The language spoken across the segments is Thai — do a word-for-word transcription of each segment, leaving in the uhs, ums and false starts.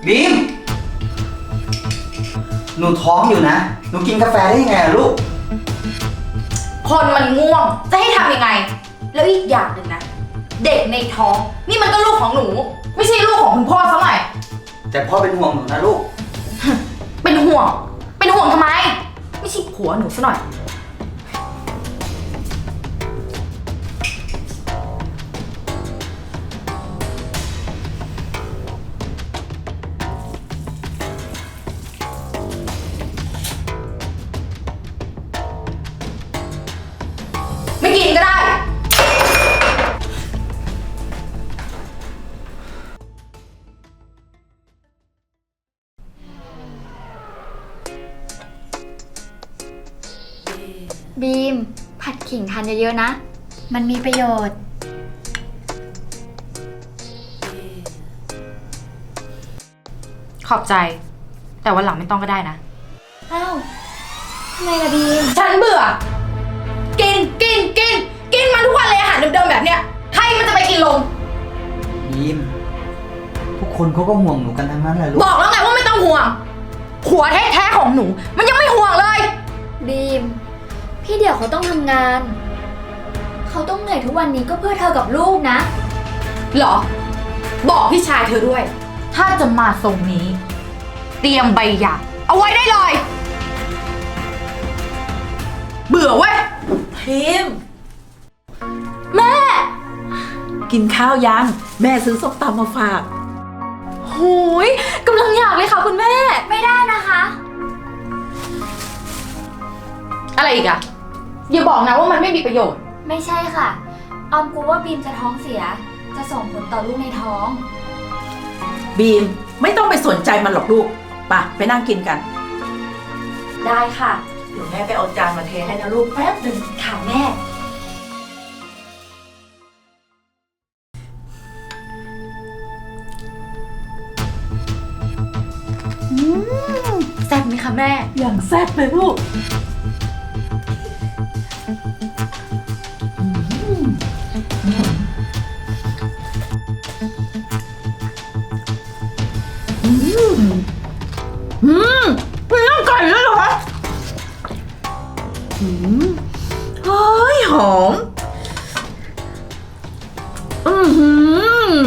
บีมหนูท้องอยู่นะหนูกินกาแฟได้ยังไงลูกคนมันง่วงจะให้ทำยังไงแล้วอีกอย่างหนึ่งนะเด็กในท้องนี่มันก็ลูกของหนูไม่ใช่ลูกของคุณพ่อซะหน่อยแต่พ่อเป็นห่วงหนูนะลูกเป็นห่วงเป็นห่วงทำไมไม่ใช่ผัวหนูซะหน่อยไม่กินก็ได้บีมผัดขิงทานเยอะๆนะมันมีประโยชน์ขอบใจแต่วันหลังไม่ต้องก็ได้นะอ้าวทำไมล่ะบีมฉันเบื่อกินกินกินกินมันทุกวันเลยอาหารเดิมๆแบบเนี้ยใครมันจะไปกินลงบีมทุกคนเขาก็ห่วงหนูกันทั้งนั้นแหละลูกบอกแล้วไงว่าไม่ต้องห่วงผัวแท้ๆของหนูมันยังไม่ห่วงเลยบีมพี่เดี่ยวเขาต้องทำงานเขาต้องเหนื่อยทุกวันนี้ก็เพื่อเธอกับลูกนะหรอบอกพี่ชายเธอด้วยถ้าจะมาทรงนี้เตรียมใบหย่าเอาไว้ได้เลยเบื่อเว้ยพิมแม่กินข้าวยังแม่ซื้อส้มตำมาฝากหูยกำลังอยากเลยค่ะคุณแม่ไม่ได้นะคะอะไรอีกอะอย่าบอกนะว่ามันไม่มีประโยชน์ไม่ใช่ค่ะออมกลัวว่าบีมจะท้องเสียจะส่งผลต่อลูกในท้องบีมไม่ต้องไปสนใจมันหรอกลูกไปไปนั่งกินกันได้ค่ะเดี๋ยวแม่ไปเอาจานมาเทให้นะลูกแป๊บหนึ่งค่ะแม่แซ่บไหมคะแม่อย่างแซ่บเลยลูกอืมอืมเป็นน้ำไก่แล้วเหรออืมเฮ้ยหอมอืมอืม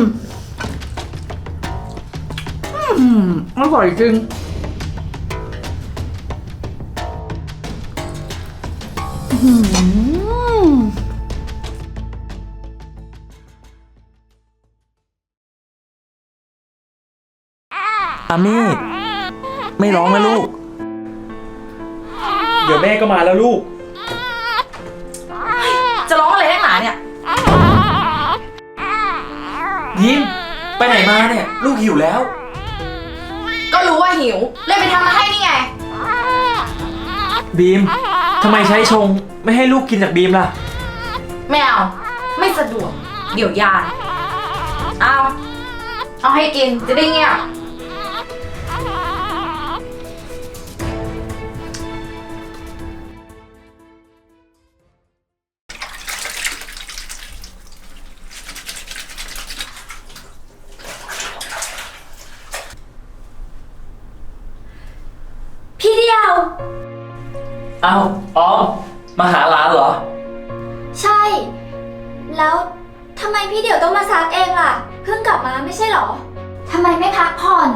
อืมอร่อยจริงอืมอามี่ไม่ร้องนะลูกเดี๋ยวแม่ก็มาแล้วลูกจะร้องอะไรนักหนาเนี่ยยิ้มไปไหนมาเนี่ยลูกหิวแล้วก็รู้ว่าหิวเลยไปทำมาให้นี่ไงบีมทำไมใช้ชงไม่ให้ลูกกินจากบีมล่ะไม่เอาไม่สะดวกเดี๋ยวยานเอาเอาให้กินจะได้เงียบพี่เดียวเอาออมมาหาหลานเหรอใช่แล้วทำไมพี่เดี่ยวต้องมาซักเองล่ะเพิ่งกลับมาไม่ใช่หรอทำไมไม่พักผ่อน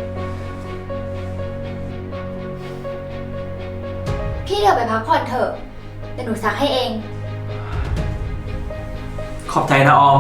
พี่เดี่ยวไปพักผ่อนเถอะเดี๋ยวหนูซักให้เองขอบใจนะออม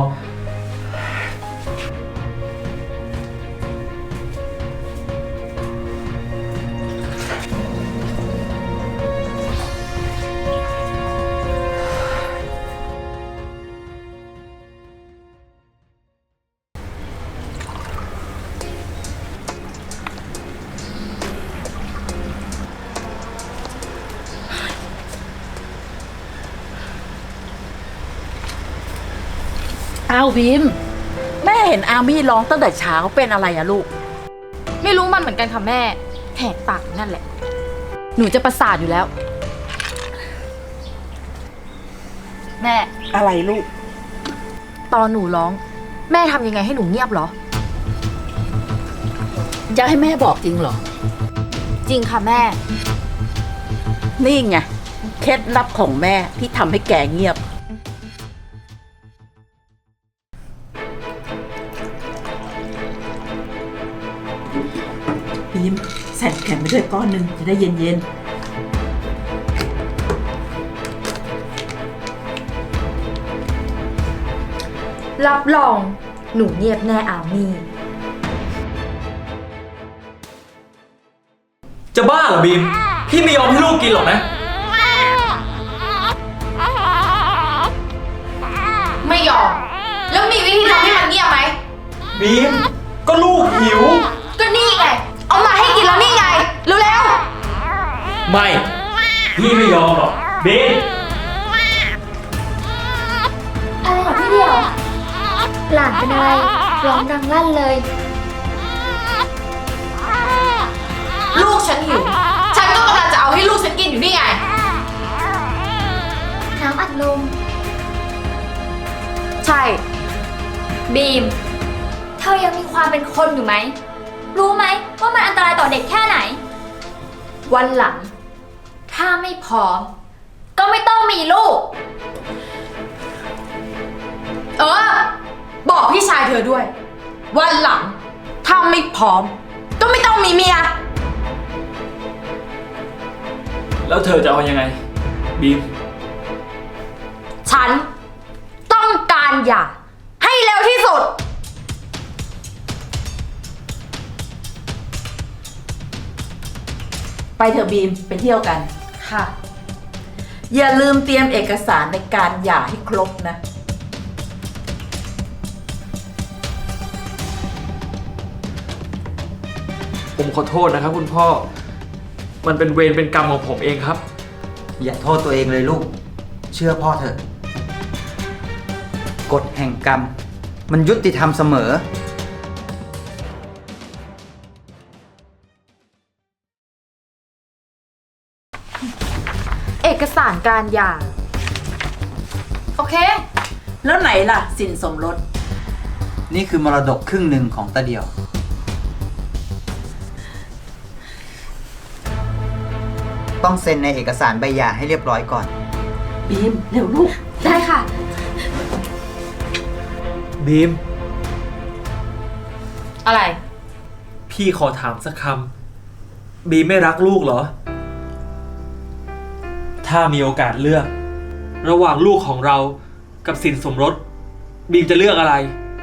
อ้าวบีมแม่เห็นอามี่ร้องตั้งแต่เช้าเป็นอะไรอะลูกไม่รู้มันเหมือนกันค่ะแม่แหกปากนั่นแหละหนูจะประสาทอยู่แล้วแม่อะไรลูกตอนหนูร้องแม่ทำยังไงให้หนูเงียบเหรอจะให้แม่บอกจริงเหรอจริงค่ะแม่นี่ไง เคล็ดลับของแม่ที่ทำให้แกเงียบ บีมใส่แข็งไปด้วยก้อนหนึ่งจะได้เย็นรับรองหนูเงียบแน่อามี่จะบ้าเหรอบีม พี่ไม่ยอมให้ลูกกินหรอกนะไม่ยอม แล้วมีวิธีทำให้มันเงียบไหมบีม ก็ลูกหิวก็นี่ไง เอามาให้กินแล้วนี่ไง เร็วไม่ พี่ไม่ยอมหรอกบีมอะไรเหรอพี่เดียว หลานเป็นอะไร ร้องดังลั่นเลยๆ ลูกฉันหิว ฉันก็กำลังจะเอาให้ลูกฉันกินอยู่นี่ไงน้ำอัดลมใช่บีม เธอยังมีความเป็นคนอยู่ไหม รู้ไหมว่ามันอันตรายต่อเด็กแค่ไหน วันหลัง ถ้าไม่พร้อม ก็ไม่ต้องมีลูกเออ บอกพี่ชายเธอด้วย วันหลัง ถ้าไม่พร้อม ก็ไม่ต้องมีเมียแล้วเธอจะเอายังไง บีมฉัน ต้องการหย่าให้เร็วที่สุดๆ ไปเถอะบีมไปเที่ยวกันค่ะอย่าลืมเตรียมเอกสารในการหย่าให้ครบนะผมขอโทษนะครับคุณพ่อ มันเป็นเวรเป็นกรรมของผมเองครับอย่าโทษตัวเองเลยลูก เชื่อพ่อเถอะ กฎแห่งกรรม มันยุติธรรมเสมอเอกสารการหย่า โอเคแล้วไหนล่ะ สินสมรสนี่คือมรดกครึ่งหนึ่งของตาเดียว ต้องเซ็นในเอกสารใบหย่าให้เรียบร้อยก่อนบีม เร็วลูกได้ค่ะบีมอะไรพี่ขอถามสักคำ บีมไม่รักลูกเหรอ ถ้ามีโอกาสเลือก ระหว่างลูกของเรากับสินสมรส บีมจะเลือกอะไร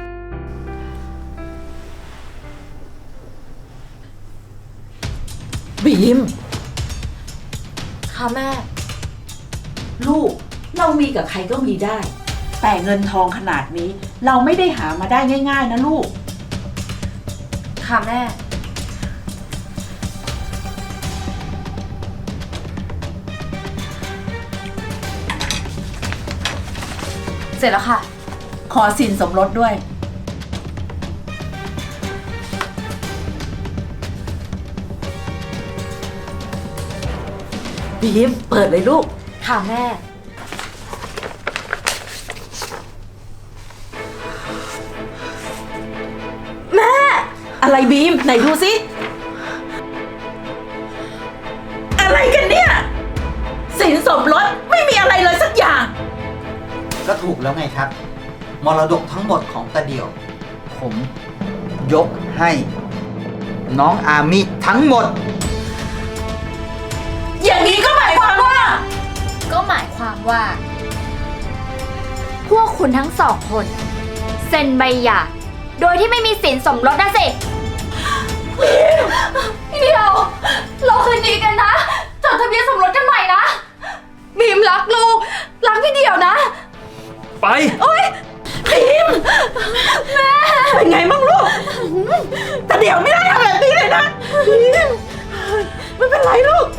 บีมค่ะแม่ลูก เรามีกับใครก็มีได้ แต่เงินทองขนาดนี้ เราไม่ได้หามาได้ง่าย ๆ นะลูกค่ะแม่ เสร็จแล้วค่ะขอสินสมรสด้วย บีม เปิดเลยลูกค่ะแม่อะไรบีม ไหนดูสิ อะไรกันเนี่ย สินสมรสไม่มีอะไรเลยสักอย่างก็ถูกแล้วไงครับ มรดกทั้งหมดของตาเดียว ผมยกให้ น้องอามิทั้งหมดอย่างนี้ก็หมายความว่าก็หมายความว่า พวกคุณทั้งสองคน เซ็นใบหย่าโดยที่ไม่มีสินสมรสนะสิพี่เดียว เราคืนดีกันนะจดทะเบียนสมรสกันใหม่นะบีมรักลูก รักพี่เดียวนะไปบีม แม่ เป็นไงบ้างลูก แต่เดี๋ยวไม่ได้ทำแบบนี้เลยนะบีมไม่เป็นไรลูก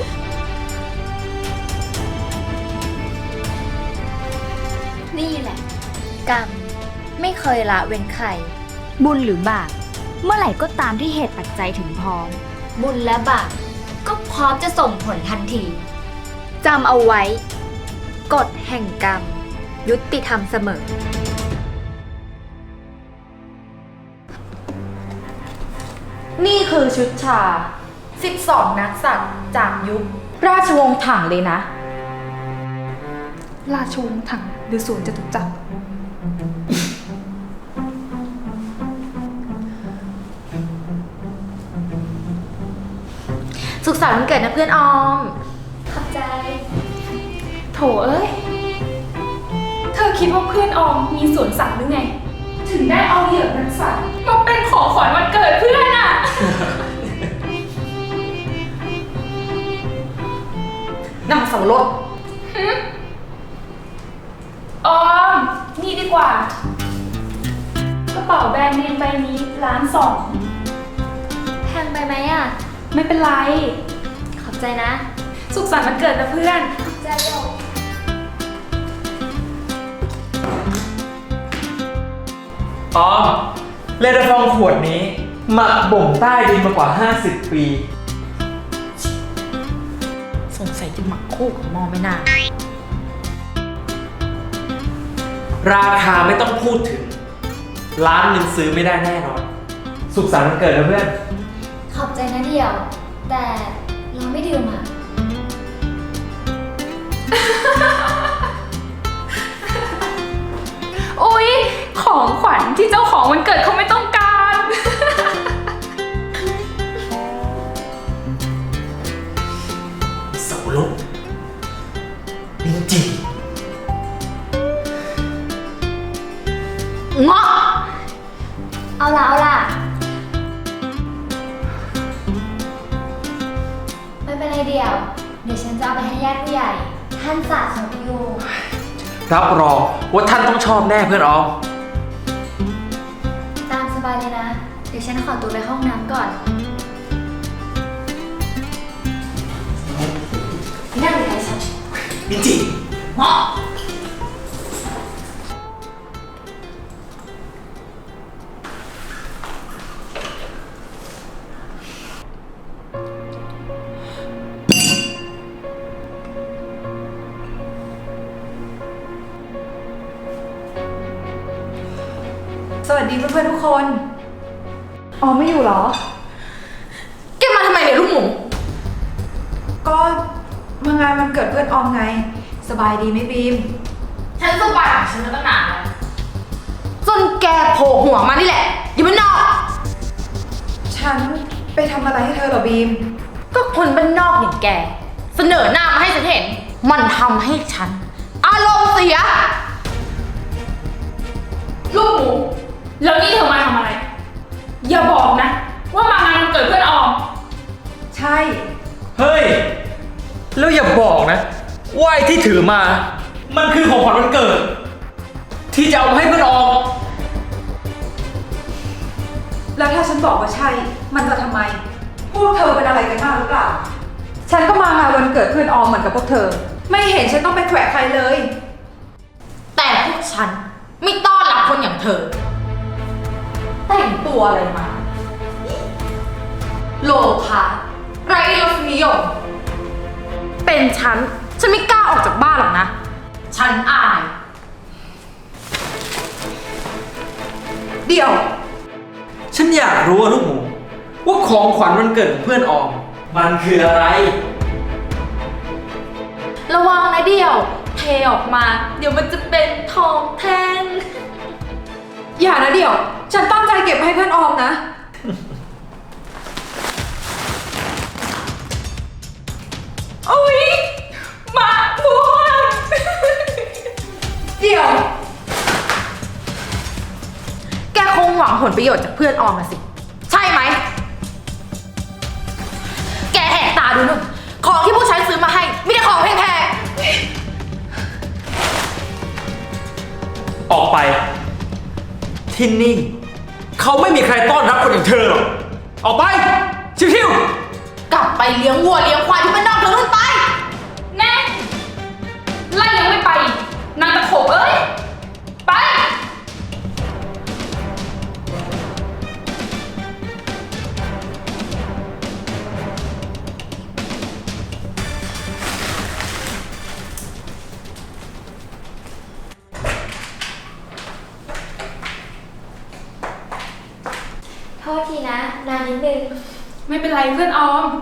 นี่แหละ กรรมไม่เคยละเว้นใคร บุญหรือบาปเมื่อไหร่ก็ตามที่เหตุปัจจัยถึงพร้อม บุญและบาปก็พร้อมจะส่งผลทันทีจำเอาไว้ กฎแห่งกรรม ยุติธรรมเสมอแนี่คือชุดชา สิบสอง นักสัตว์จากยุค ราชวงศ์ถังเลยนะราชวงศ์ถังหรือสวนจตุจักรสุขสันต์วันเกิดนะเพื่อนออมขอบใจโถเอ้ย เธอคิดว่าเพื่อนออมมีสวนสัตว์หรือไง ถึงได้เอาเหยื่อนักสัตว์มาเป็นของขวัญวันเกิดเพื่อนอะนำสังรถออม นี่ดีกว่า กระเป๋าแบรนด์เนมใบนี้ล้านสองแพงไปไหมอ่ะไม่เป็นไรขอบใจนะสุขสันต์วันเกิดนะเพื่อนขอบใจเดี๋ยวอ๋อเลดาฟองขวดนี้ หมักบ่มใต้ดินมากว่า ห้าสิบ ปีสงสัยจะหมักคู่กับมอไม่น่าราคาไม่ต้องพูดถึง ล้านหนึ่งซื้อไม่ได้แน่นอน สุขสันต์วันเกิดนะเพื่อนขอบใจนะเดี่ยว แต่เราไม่ดื่มอ่ะอุ๊ย ของขวัญที่เจ้าของวันเกิดเขาไม่ต้องการเสาลุกลินจีเงาะเอาล่ะ เอาล่ะ ไม่เป็นไรเดี่ยว เดี๋ยวฉันจะเอาไปให้ญาติผู้ใหญ่ ท่านสะสมอยู่รับรองว่าท่านต้องชอบแน่เพื่อนออมตามสบายเลยนะ เดี๋ยวฉันขอตัวไปห้องน้ำก่อนนั่งเลยฉันลินจีเงาะสวัสดีเพื่อนๆทุกคน ออมไม่อยู่เหรอแกมาทำไมเนี่ยลูกหมูก็มางานวันเกิดเพื่อนออมไง สบายดีไหมบีมฉันสบายของฉันมาตั้งนานแล้วจนแกโผล่หัวมานี่แหละอยู่บ้านนอกฉันไปทำอะไรให้เธอเหรอบีมก็คนบ้านนอกอย่างแก เสนอหน้ามาให้ฉันเห็น มันทำให้ฉัน อารมณ์เสียลูกหมู แล้วนี่เธอมาทำอะไร อย่าบอกนะ ว่ามางานวันเกิดเพื่อนออมใช่เฮ้ย แล้วอย่าบอกนะว่าไอ้ที่ถือมา มันคือของขวัญวันเกิด ที่จะเอามาให้เพื่อนออมแล้วถ้าฉันบอกว่าใช่ มันจะทำไม พวกเธอเป็นอะไรกันมากหรือเปล่า ฉันก็มางานวันเกิดเพื่อนออมเหมือนกับพวกเธอ ไม่เห็นฉันต้องไปแขวะใครเลยแต่พวกฉันไม่ต้อนรับคนอย่างเธอ แต่งตัวอะไรมา โลภะไร้รสนิยม เป็นฉัน ฉันไม่กล้าออกจากบ้านหรอกนะ ฉันอายเดี๋ยวฉันอยากรู้อะลูกหมู ว่าของขวัญวันเกิดของเพื่อนออม มันคืออะไรระวังนะเดี่ยว เทออกมา เดี๋ยวมันจะเป็นทองแท่งอย่านะเดี๋ยว ฉันตั้งใจเก็บให้เพื่อนออมนะโอ๊ยหมาม่วงเดี๋ยวแกคงหวังผลประโยชน์จากเพื่อนออมนะสิ ใช่ไหม แกแหกตาดูนู่นของที่ผู้ชายซื้อมาให้ไมแต่ได้ของแพงออกไป ที่นี่เขาไม่มีใครต้อนรับคนอย่างเธอหรอก ออกไป ชิวๆๆกลับไปเลี้ยงวัวเลี้ยงควายที่บ้านนอกเธอนู่นไปแน่ไล่ยังไม่ไปอีกนางตะโขบเอ้ย ไปโทษทีนะนานนิดนึงไม่เป็นไรเพื่อนออม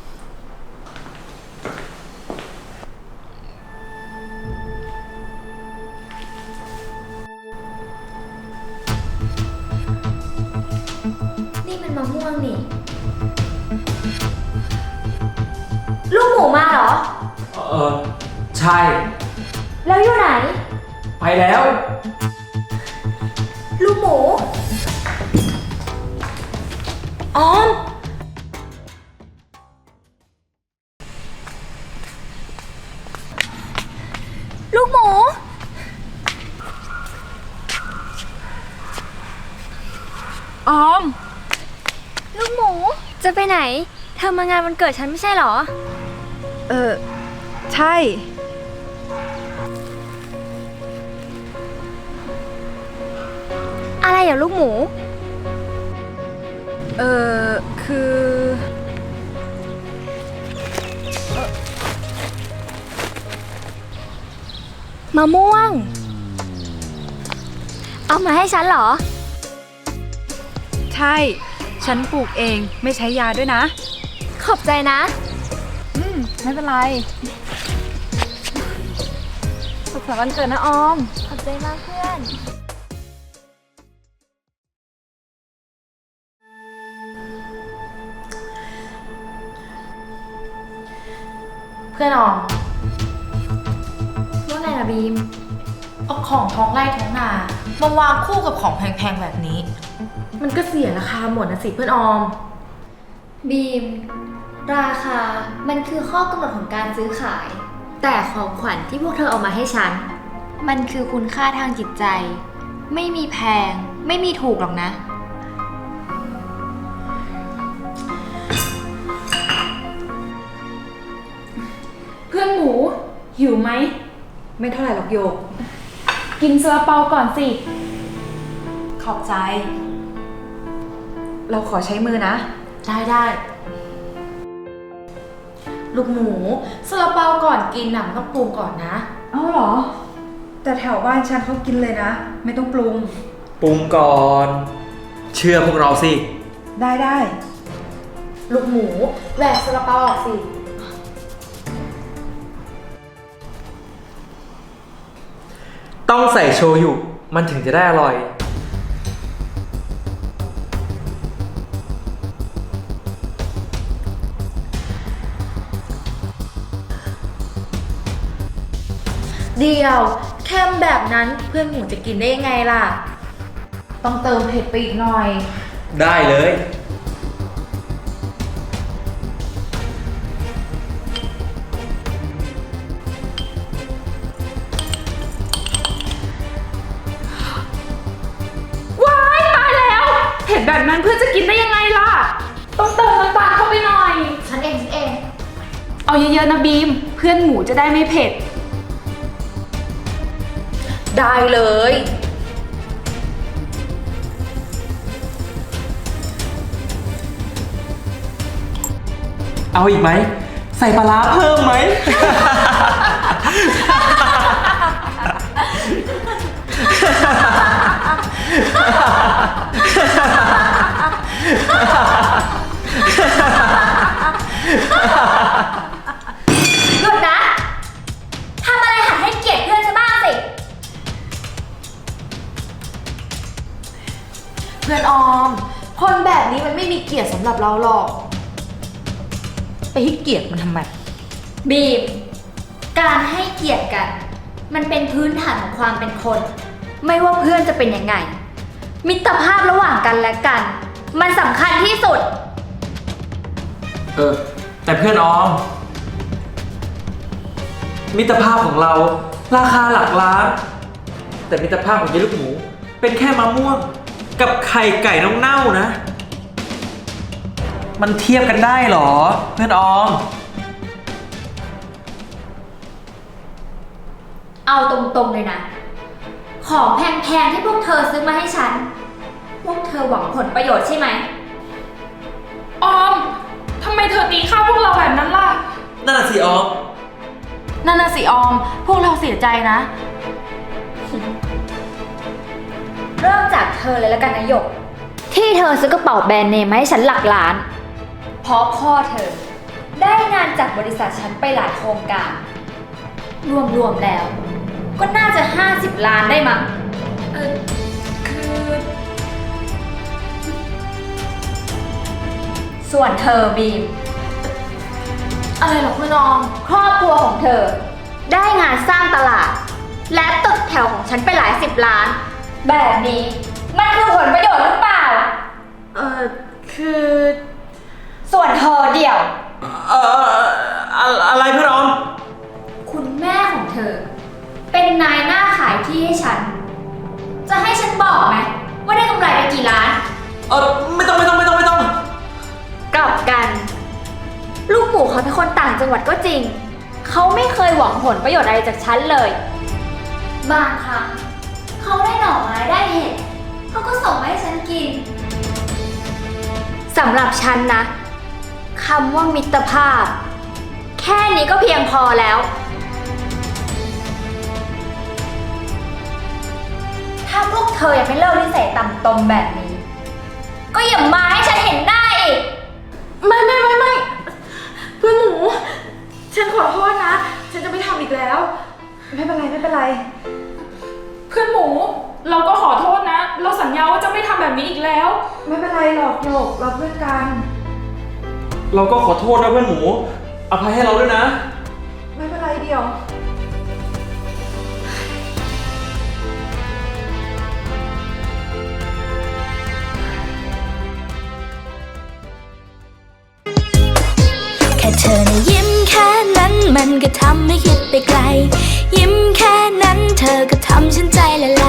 นี่มันมะม่วงนี่ ลูกหมูมาเหรอเออใช่แล้วอยู่ไหนไปแล้วลูกหมู ออม ลูกหมูออมลูกหมู จะไปไหน เธอมางานวันเกิดฉันไม่ใช่เหรอเออ ใช่อะไรอย่าลูกหมูเออคือมะม่วง เอามาให้ฉันเหรอใช่ ฉันปลูกเองไม่ใช้ยาด้วยนะขอบใจนะอืม ไม่เป็นไรสุขสันต์วันเกิดนะออมขอบใจมากเพื่อนเพื่อนออมว่าไงล่ะบีมเอาของท้องไร่ท้องนามาวางคู่กับของแพงๆแบบนี้ มันก็เสียราคาหมดนะสิเพื่อนออมบีม ราคา มันคือข้อกำหนดของการซื้อขาย แต่ของขวัญที่พวกเธอเอามาให้ฉัน มันคือคุณค่าทางจิตใจ ไม่มีแพง ไม่มีถูกหรอกนะเพื่อนหมู หิวไหมไม่เท่าไหร่หรอกโยกกินซาลาเปาก่อนสิขอบใจเราขอใช้มือนะได้ได้ลูกหมูซาลาเปาก่อนกินน่ะมันต้องปรุงก่อนนะเอ้าเหรอ แต่แถวบ้านฉันเขากินเลยนะ ไม่ต้องปรุงปรุงก่อน เชื่อพวกเราสิได้ได้ลูกหมูแหวกซาลาเปาออกสิต้องใส่โชยุมันถึงจะได้อร่อยเดียวแค่แบบนั้นเพื่อนหมูจะกินได้ยังไงล่ะ ต้องเติมเผ็ดไปอีกหน่อยได้เลยว้ายตายแล้ว เห็นแบบนั้นเพื่อนจะกินได้ยังไงล่ะ ต้องเติมน้ำตาลเข้าไปหน่อยฉันเองฉันเองเอาเยอะๆนะบีม เพื่อนหมูจะได้ไม่เผ็ดได้เลยเอาอีกไหม ใส่ปลาร้าเพิ่มไหมหยุดนะ ทำอะไรหัดให้เกียรติเพื่อนฉันบ้างสิเพื่อนออม คนแบบนี้มันไม่มีเกียรติสำหรับเราหรอก ไปให้เกียรติมันทำไมบีม การให้เกียรติกัน มันเป็นพื้นฐานของความเป็นคน ไม่ว่าเพื่อนจะเป็นยังไง มิตรภาพระหว่างกันและกัน มันสำคัญที่สุดเออ แต่เพื่อนออม มิตรภาพของเราราคาหลักล้าน แต่มิตรภาพของเยลูกหมู เป็นแค่มะม่วง กับไข่ไก่น้องเน่านะ มันเทียบกันได้เหรอ เพื่อนออมเอาตรงๆเลยนะ ของแพงๆที่พวกเธอซื้อมาให้ฉัน พวกเธอหวังผลประโยชน์ใช่ไหมออม ทำไมเธอตีข้าวพวกเราแบบนั้นล่ะนั่นน่ะสิออมนั่นน่ะสิออม พวกเราเสียใจนะเริ่มจากเธอเลยแล้วกันนะหยก ทที่เธอซื้อกระเป๋าแบรนด์เนมมาให้ฉันหลักล้าน เพราะพ่อเธอ ได้งานจากบริษัทฉันไปหลายโครงการ รวมๆแล้ว ก็น่าจะห้าสิบล้านได้มั้งเออคือส่วนเธอบีมอะไรหรอคุณออมครอบครัวของเธอ ได้งานสร้างตลาด และตึกแถวของฉันไปหลายสิบล้าน แบบนี้มันคือผลประโยชน์หรือเปล่าเออคือส่วนเธอเดี่ยวเอ่ออะอะไรเพื่อนออมคุณแม่ของเธอ เป็นนายหน้าขายที่ให้ฉัน จะให้ฉันบอกไหมว่าได้กำไรไปกี่ล้านเออไม่ต้องไม่ต้องไม่ต้องไม่ต้องกลับกัน ลูกหมูเขาเป็นคนต่างจังหวัดก็จริง เขาไม่เคยหวังผลประโยชน์อะไรจากฉันเลย บางครั้งเขาได้หน่อไม้ได้เห็ดเขาก็ส่งมาให้ฉันกินสำหรับฉันนะคำว่ามิตรภาพ แค่นี้ก็เพียงพอแล้ว ถ้าพวกเธอยังไม่เลิกนิสัยต่ำตมแบบนี้ ก็อย่ามาให้ฉันเห็นหน้าอีกไม่ไม่ไม่ไม่เพื่อนหมู ฉันขอโทษนะ ฉันจะไม่ทำอีกแล้ว ไม่เป็นไรไม่เป็นไรเพื่อนหมู เราก็ขอโทษนะ เราสัญญาว่าจะไม่ทำแบบนี้อีกแล้วไม่เป็นไรหรอกโยกเราเพื่อนกันเราก็ขอโทษนะเพื่อนหมู อภัยให้เราด้วยนะไม่เป็นไรเดียวแค่เธอนะยิ้มแค่นั้นมันก็ทำให้คิดไปไกล ยิ้มแค่นั้นเธอก็ทำฉันใจละล